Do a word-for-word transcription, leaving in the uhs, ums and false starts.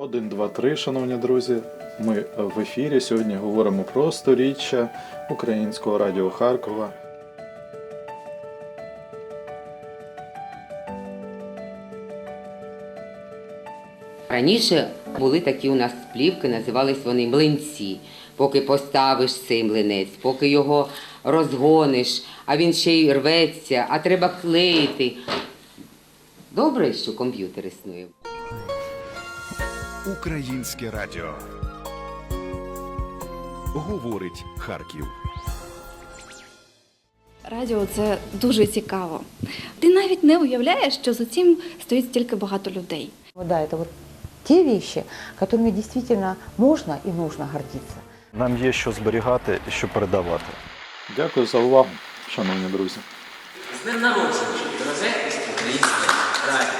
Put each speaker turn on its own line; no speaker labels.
Один, два, три, шановні друзі. Ми в ефірі. Сьогодні говоримо про сторіччя Українського радіо Харкова.
Раніше були такі у нас плівки, називались вони млинці. Поки поставиш цей млинець, поки його розгониш, а він ще й рветься, а треба клеїти. Добре, що комп'ютер існує.
Українське радіо. Говорить Харків.
Радіо – це дуже цікаво. Ти навіть не уявляєш, що за цим стоїть стільки багато людей.
Да, это вот те вещи, которыми действительно можно и нужно гордиться.
Нам є що зберігати і що передавати.
Дякую за увагу, шановні друзі.
З днем народження, дороге українське радіо.